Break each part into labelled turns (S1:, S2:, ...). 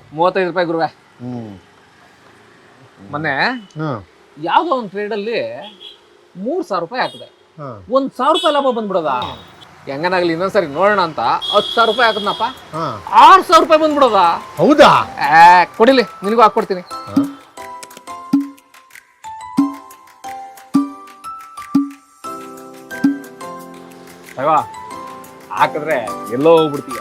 S1: 35 ರೂಪಾಯಿ ಗುರುವೆ.
S2: ಹ್ಞೂ
S1: ಮೊನ್ನೆ
S2: ಹಾಂ
S1: ಯಾವುದೋ ಒಂದು ಟ್ರೇಡಲ್ಲಿ 3,000 ರೂಪಾಯಿ ಹಾಕಿದೆ.
S2: ಹಾಂ
S1: 1,000 ರೂಪಾಯಿ ಲಾಭ ಬಂದ್ಬಿಡೋದ? ಹೆಂಗನಾಗ್ಲಿ ಇನ್ನೊಂದ್ಸರಿ ನೋಡೋಣ ಅಂತ 10,000 ರೂಪಾಯಿ ಹಾಕದ್ನಪ್ಪ,
S2: ಹಾಂ
S1: 6,000 ರೂಪಾಯಿ ಬಂದ್ಬಿಡೋದ?
S2: ಹೌದಾ?
S1: ಕೊಡಿಲಿ, ನಿನಗೂ ಹಾಕ್ಕೊಡ್ತೀನಿ. ಅಯ್ಯೋ ಹಾಕಿದ್ರೆ ಎಲ್ಲೋ ಹೋಗ್ಬಿಡ್ತೀಯ.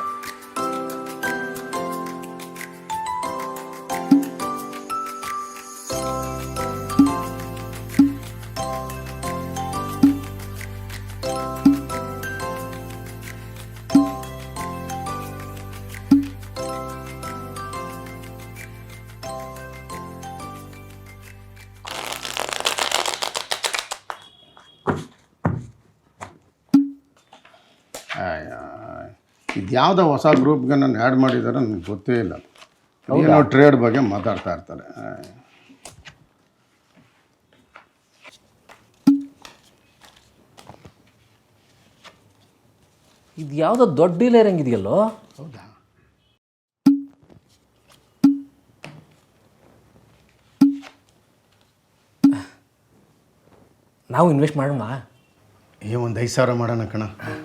S2: ಇದು ಯಾವುದೋ ಹೊಸ ಗ್ರೂಪ್ಗೆ ನಾನು ಆ್ಯಡ್ ಮಾಡಿದ್ದಾರೆ ನನಗೆ ಗೊತ್ತೇ ಇಲ್ಲ. ಏನೋ ಟ್ರೇಡ್ ಬಗ್ಗೆ ಮಾತಾಡ್ತಾ ಇರ್ತಾರೆ.
S1: ಇದು ಯಾವುದೋ ದೊಡ್ಡ ಡೀಲರ್ ಹಂಗಿದೆಯಲ್ಲೋ?
S2: ಹೌದಾ?
S1: ನಾವು ಇನ್ವೆಸ್ಟ್ ಮಾಡೋಣ.
S2: ಒಂದು 5,000 ಮಾಡೋಣ ಕಣ.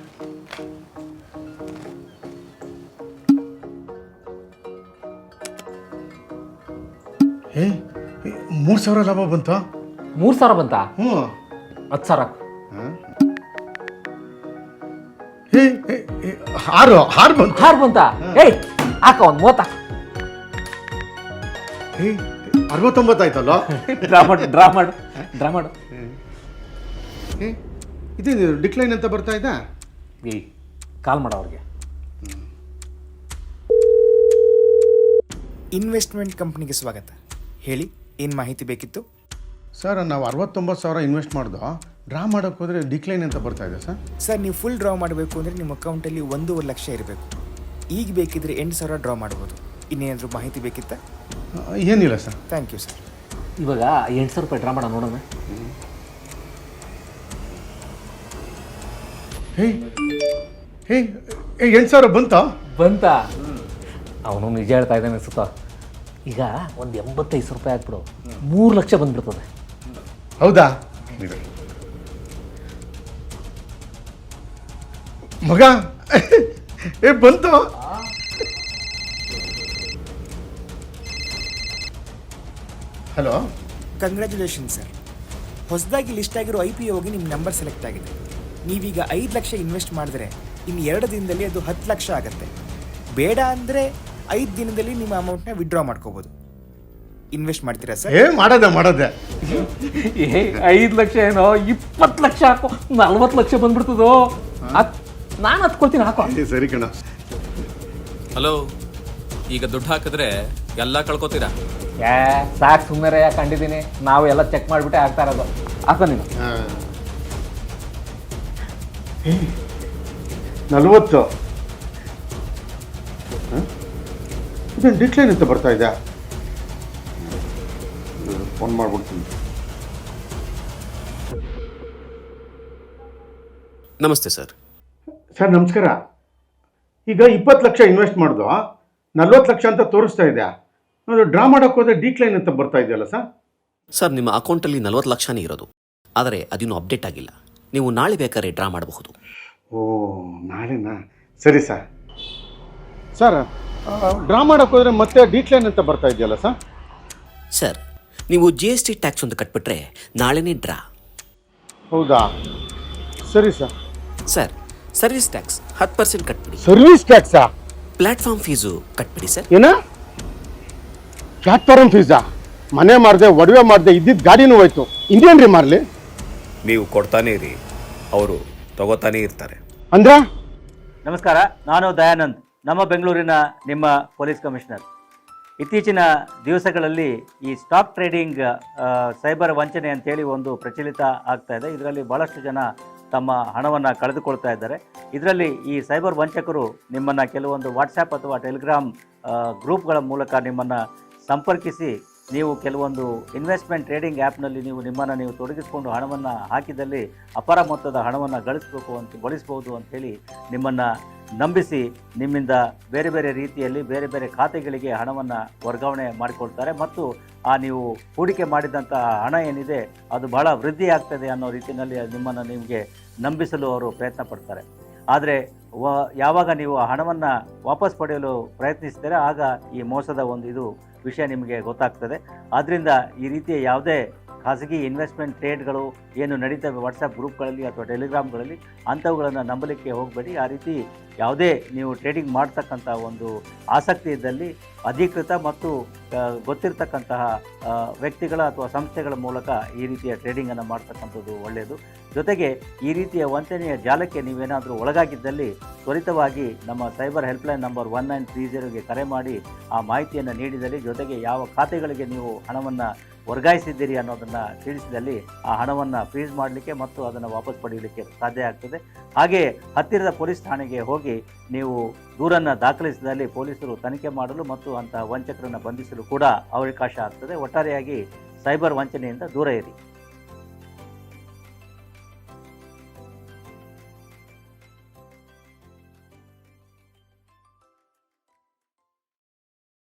S2: ಏ 3,000 ಲಾಭ ಬಂತು.
S1: 3,000 ಬಂತಾ?
S2: ಹ್ಞೂ
S1: 10,000.
S2: ಏ ಹಾರು ಬಂತು.
S1: ಹಾರು ಬಂತಾ? ಏಯ್ ಹಾಕ ಒಂದು 30.
S2: ಏ 69 ಆಯ್ತಲ್ಲ.
S1: ಡ್ರಾ ಮಾಡು.
S2: ಏ ಇದು ಡಿಕ್ಲೈನ್ ಅಂತ ಬರ್ತಾ ಇದ್ದ.
S1: ಏಯ್ ಕಾಲ್ ಮಾಡು ಅವ್ರಿಗೆ.
S3: ಇನ್ವೆಸ್ಟ್ಮೆಂಟ್ ಕಂಪ್ನಿಗೆ ಸ್ವಾಗತ. ಹೇಳಿ, ಏನು ಮಾಹಿತಿ ಬೇಕಿತ್ತು?
S2: ಸರ್ ನಾವು 69,000 ಇನ್ವೆಸ್ಟ್ ಮಾಡ್ದೋ, ಡ್ರಾ ಮಾಡೋಕ್ಕೆ ಹೋದರೆ ಡಿಕ್ಲೈನ್ ಅಂತ ಬರ್ತಾ ಇದೆ ಸರ್.
S3: ಸರ್, ನೀವು ಫುಲ್ ಡ್ರಾ ಮಾಡಬೇಕು ಅಂದರೆ ನಿಮ್ಮ ಅಕೌಂಟಲ್ಲಿ 1.5 ಲಕ್ಷ ಇರಬೇಕು. ಈಗ ಬೇಕಿದ್ರೆ 8,000 ಡ್ರಾ ಮಾಡ್ಬೋದು. ಇನ್ನೇನಾದರೂ ಮಾಹಿತಿ ಬೇಕಿತ್ತಾ?
S2: ಏನಿಲ್ಲ ಸರ್.
S3: Thank you sir.
S1: ಇವಾಗ 8,000 ರೂಪಾಯಿ ಡ್ರಾ ಮಾಡೋಣ, ನೋಡೋಣ.
S2: ಹೇ 8,000
S1: ಬಂತಾ? ಅವನು ನಿಜ ಹೇಳ್ತಾ ಇದ್ದಾನೆ ಅನ್ಸುತ್ತಾ. ಈಗ ಒಂದು 85 ರೂಪಾಯಿ ಹಾಕ್ಬಿಡು, 3 ಲಕ್ಷ ಬಂದ್ಬಿಡ್ತದೆ.
S2: ಹೌದಾ ಮಗ? ಬಂತು. Hello,
S3: congratulation sir. ಹೊಸದಾಗಿ ಲಿಸ್ಟ್ ಆಗಿರೋ IPOಗೆ ನಿಮ್ಮ ನಂಬರ್ ಸೆಲೆಕ್ಟ್ ಆಗಿದೆ. ನೀವೀಗ 5 ಲಕ್ಷ ಇನ್ವೆಸ್ಟ್ ಮಾಡಿದ್ರೆ ಇನ್ನು 2 ದಿನದಲ್ಲಿ ಅದು 10 ಲಕ್ಷ ಆಗುತ್ತೆ. ಬೇಡ ಅಂದರೆ 5 ದಿನದಲ್ಲಿ ನಿಮ್ಮ ಅಮೌಂಟ್ನ ವಿಡ್ರಾ ಮಾಡ್ಕೋಬೋದು. ಇನ್ವೆಸ್ಟ್ ಮಾಡ್ತೀರಾ ಸರ್?
S2: ಮಾಡದೆ
S1: 5 ಲಕ್ಷ ಏನೋ 20 ಲಕ್ಷ ಹಾಕೋ, 40 ಲಕ್ಷ ಬಂದ್ಬಿಡ್ತದೋ. ನಾನು ಹತ್ಕೊಳ್ತೀನಿ, ಹಾಕೋ.
S2: ಸರಿ ಕಣ.
S4: ಹಲೋ, ಈಗ ದುಡ್ಡು ಹಾಕಿದ್ರೆ ಎಲ್ಲ ಕಳ್ಕೊತೀರಾ?
S1: ಸಾಕು ಸುಮ್ಮನೆ ಯಾಕೆ ಕಂಡಿದ್ದೀನಿ. ನಾವು ಎಲ್ಲ ಚೆಕ್ ಮಾಡಿಬಿಟ್ಟೆ ಆಗ್ತಾ ಇರೋದು. ಹಾಕೋ ನೀನು.
S2: 40 ಇದೇನು ಡಿಕ್ಲೈನ್ ಅಂತ ಬರ್ತಾ ಇದೆ. ಫೋನ್ ಮಾಡ್ಬಿಡ್ತೀನಿ.
S4: ನಮಸ್ತೆ ಸರ್.
S2: ಸರ್ ನಮಸ್ಕಾರ. ಈಗ 20 ಲಕ್ಷ ಇನ್ವೆಸ್ಟ್ ಮಾಡ್ದು, 40 ಲಕ್ಷ ಅಂತ ತೋರಿಸ್ತಾ ಇದೆ. ಅದು ಡ್ರಾ ಮಾಡೋಕ್ಕೆ ಹೋದ್ರೆ ಡಿಕ್ಲೈನ್ ಅಂತ ಬರ್ತಾ ಇದೆಯಲ್ಲ ಸರ್?
S4: ಸರ್, ನಿಮ್ಮ ಅಕೌಂಟಲ್ಲಿ 40 ಲಕ್ಷನೇ ಇರೋದು, ಆದರೆ ಅದಿನ್ನೂ ಅಪ್ಡೇಟ್ ಆಗಿಲ್ಲ. ನೀವು ನಾಳೆ ಬೇಕಾದ್ರೆ ಡ್ರಾ ಮಾಡಬಹುದು.
S2: ಓ, ನಾಳೆನಾ? ಸರಿ ಸರ್. ಸರ್, ಡ್ರಾ ಮಾಡೋಕ್ಕೆ ಹೋದ್ರೆ ಮತ್ತೆ ಡಿಕ್ಲೈನ್ ಅಂತ ಬರ್ತಾ ಇದೆಯಲ್ಲ ಸರ್?
S4: ಸರ್, ನೀವು GST ಟ್ಯಾಕ್ಸ್ ಒಂದು ಕಟ್ಬಿಟ್ರೆ ನಾಳೆನೇ ಡ್ರಾ.
S2: ಹೌದಾ? ಸರಿ ಸರ್.
S4: ಸರ್, ಸರ್ವಿಸ್ ಟ್ಯಾಕ್ಸ್ 10% ಕಟ್ಬಿಡಿ.
S2: ಸರ್ವಿಸ್ ಟ್ಯಾಕ್ಸಾ?
S4: ಪ್ಲಾಟ್ಫಾರ್ಮ್ ಫೀಸು ಕಟ್ಬಿಡಿ ಸರ್.
S2: ಏನ? ಪ್ಲಾಟ್ಫಾರ್ಮ್ ಫೀಸಾ? ಮನೆ ಮಾರದೆ, ಒಡವೆ ಮಾಡಿದೆ, ಇದ್ದಿದ್ದು ಗಾಡಿನೂ ಹೋಯ್ತು. ಇನ್ನೇನ್ರಿ ಮಾರಲಿ?
S5: ನೀವು ಕೊಡ್ತಾನೆ ಇರಿ, ಅವರು ತಗೋತಾನೆ ಇರ್ತಾರೆ.
S2: ಅಂದ್ರೆ?
S6: ನಮಸ್ಕಾರ, ನಾನು ದಯಾನಂದ್, ನಮ್ಮ ಬೆಂಗಳೂರಿನ ನಿಮ್ಮ ಪೊಲೀಸ್ ಕಮಿಷನರ್. ಇತ್ತೀಚಿನ ದಿವಸಗಳಲ್ಲಿ ಈ ಸ್ಟಾಕ್ ಟ್ರೇಡಿಂಗ್ ಸೈಬರ್ ವಂಚನೆ ಅಂತೇಳಿ ಒಂದು ಪ್ರಚಲಿತ ಆಗ್ತಾ ಇದೆ. ಇದರಲ್ಲಿ ಭಾಳಷ್ಟು ಜನ ತಮ್ಮ ಹಣವನ್ನು ಕಳೆದುಕೊಳ್ತಾ ಇದ್ದಾರೆ. ಇದರಲ್ಲಿ ಈ ಸೈಬರ್ ವಂಚಕರು ನಿಮ್ಮನ್ನು ಕೆಲವೊಂದು ವಾಟ್ಸ್ಯಾಪ್ ಅಥವಾ ಟೆಲಿಗ್ರಾಮ್ ಗ್ರೂಪ್ಗಳ ಮೂಲಕ ನಿಮ್ಮನ್ನು ಸಂಪರ್ಕಿಸಿ ನೀವು ಕೆಲವೊಂದು ಇನ್ವೆಸ್ಟ್ಮೆಂಟ್ ಟ್ರೇಡಿಂಗ್ ಆ್ಯಪ್ನಲ್ಲಿ ನಿಮ್ಮನ್ನು ತೊಡಗಿಸಿಕೊಂಡು ಹಣವನ್ನು ಹಾಕಿದಲ್ಲಿ ಅಪಾರ ಮೊತ್ತದ ಹಣವನ್ನು ಗಳಿಸಬಹುದು ಅಂಥೇಳಿ ನಿಮ್ಮನ್ನು ನಂಬಿಸಿ ನಿಮ್ಮಿಂದ ಬೇರೆ ಬೇರೆ ರೀತಿಯಲ್ಲಿ ಬೇರೆ ಬೇರೆ ಖಾತೆಗಳಿಗೆ ಹಣವನ್ನು ವರ್ಗಾವಣೆ ಮಾಡಿಕೊಳ್ತಾರೆ ಮತ್ತು ಆ ನೀವು ಹೂಡಿಕೆ ಮಾಡಿದಂಥ ಹಣ ಏನಿದೆ ಅದು ಬಹಳ ವೃದ್ಧಿ ಆಗ್ತದೆ ಅನ್ನೋ ರೀತಿಯಲ್ಲಿ ನಿಮ್ಮನ್ನು ನಿಮಗೆ ನಂಬಿಸಲು ಅವರು ಪ್ರಯತ್ನ ಪಡ್ತಾರೆ. ಆದರೆ ಯಾವಾಗ ನೀವು ಆ ಹಣವನ್ನು ವಾಪಸ್ ಪಡೆಯಲು ಪ್ರಯತ್ನಿಸ್ತೀರ ಆಗ ಈ ಮೋಸದ ಒಂದು ಇದು ವಿಷಯ ನಿಮಗೆ ಗೊತ್ತಾಗ್ತದೆ. ಆದ್ದರಿಂದ ಈ ರೀತಿಯ ಯಾವುದೇ ಖಾಸಗಿ ಇನ್ವೆಸ್ಟ್ಮೆಂಟ್ ಟ್ರೇಡ್ಗಳು ಏನು ನಡೀತವೆ ವಾಟ್ಸಪ್ ಗ್ರೂಪ್ಗಳಲ್ಲಿ ಅಥವಾ ಟೆಲಿಗ್ರಾಮ್ಗಳಲ್ಲಿ ಅಂಥವುಗಳನ್ನು ನಂಬಲಿಕ್ಕೆ ಹೋಗಬೇಡಿ. ಆ ರೀತಿ ಯಾವುದೇ ನೀವು ಟ್ರೇಡಿಂಗ್ ಮಾಡ್ತಕ್ಕಂಥ ಒಂದು ಆಸಕ್ತಿ ಇದ್ದಲ್ಲಿ ಅಧಿಕೃತ ಮತ್ತು ಗೊತ್ತಿರತಕ್ಕಂತಹ ವ್ಯಕ್ತಿಗಳ ಅಥವಾ ಸಂಸ್ಥೆಗಳ ಮೂಲಕ ಈ ರೀತಿಯ ಟ್ರೇಡಿಂಗನ್ನು ಮಾಡ್ತಕ್ಕಂಥದ್ದು ಒಳ್ಳೆಯದು. ಜೊತೆಗೆ ಈ ರೀತಿಯ ವಂಚನೆಯ ಜಾಲಕ್ಕೆ ನೀವೇನಾದರೂ ಒಳಗಾಗಿದ್ದಲ್ಲಿ ತ್ವರಿತವಾಗಿ ನಮ್ಮ ಸೈಬರ್ ಹೆಲ್ಪ್ಲೈನ್ ನಂಬರ್ 1930ಗೆ ಕರೆ ಮಾಡಿ ಆ ಮಾಹಿತಿಯನ್ನು ನೀಡಿದಲ್ಲಿ, ಜೊತೆಗೆ ಯಾವ ಖಾತೆಗಳಿಗೆ ನೀವು ಹಣವನ್ನು ವರ್ಗಾಯಿಸಿದ್ದೀರಿ ಅನ್ನೋದನ್ನು ತಿಳಿಸಿದಲ್ಲಿ ಆ ಹಣವನ್ನು ಫ್ರೀಸ್ ಮಾಡಲಿಕ್ಕೆ ಮತ್ತು ಅದನ್ನು ವಾಪಸ್ ಪಡೆಯಲಿಕ್ಕೆ ಸಾಧ್ಯ ಆಗ್ತದೆ. ಹಾಗೆ ಹತ್ತಿರದ ಪೊಲೀಸ್ ಠಾಣೆಗೆ ಹೋಗಿ ನೀವು ದೂರನ್ನು ದಾಖಲಿಸಿದಲ್ಲಿ ಪೊಲೀಸರು ತನಿಖೆ ಮಾಡಲು ಮತ್ತು ಅಂತಹ ವಂಚಕರನ್ನು ಬಂಧಿಸಲು ಕೂಡ ಅವಕಾಶ ಆಗ್ತದೆ. ಒಟ್ಟಾರೆಯಾಗಿ ಸೈಬರ್ ವಂಚನೆಯಿಂದ ದೂರ ಇರಿ.